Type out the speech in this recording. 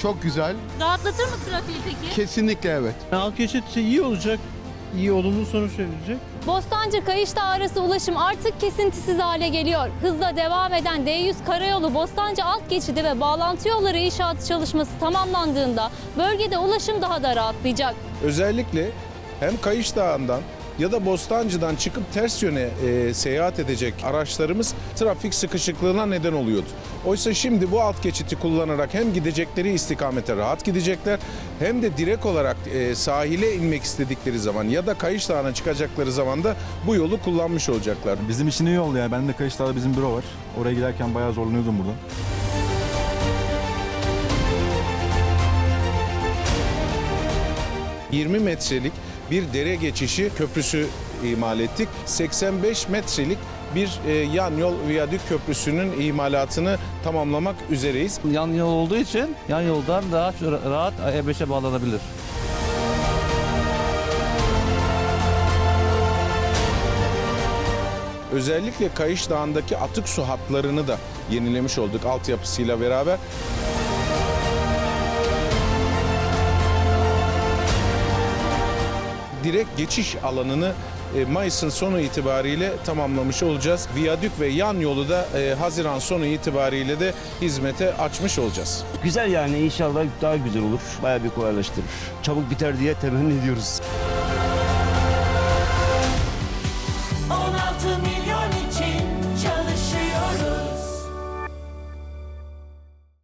Çok güzel. Rahatlatır mı trafiği peki? Kesinlikle evet. Alt geçit iyi olacak. İyi olumlu sonuç verecek. Bostancı-Kayışdağ arası ulaşım artık kesintisiz hale geliyor. Hızla devam eden D100 karayolu Bostancı alt geçidi ve bağlantı yolları inşaatı çalışması tamamlandığında bölgede ulaşım daha da rahatlayacak. Özellikle hem Kayış Dağı'ndan ya da Bostancı'dan çıkıp ters yöne seyahat edecek araçlarımız trafik sıkışıklığına neden oluyordu. Oysa şimdi bu alt geçiti kullanarak hem gidecekleri istikamete rahat gidecekler hem de direkt olarak sahile inmek istedikleri zaman ya da Kayış Dağı'na çıkacakları zaman da bu yolu kullanmış olacaklar. Bizim için iyi oldu yani. Benim de Kayışdağ'da bizim büro var. Oraya giderken bayağı zorlanıyordum buradan. ...20 metrelik bir dere geçişi köprüsü imal ettik. 85 metrelik bir yan yol viyadük köprüsünün imalatını tamamlamak üzereyiz. Yan yol olduğu için yan yoldan daha rahat E5'e bağlanabilir. Özellikle Kayış Dağı'ndaki atık su hatlarını da yenilemiş olduk altyapısıyla beraber. Direkt geçiş alanını Mayıs'ın sonu itibariyle tamamlamış olacağız. Viyadük ve yan yolu da Haziran sonu itibariyle de hizmete açmış olacağız. Güzel yani inşallah daha güzel olur. Bayağı bir kolaylaştırır. Çabuk biter diye temenni ediyoruz.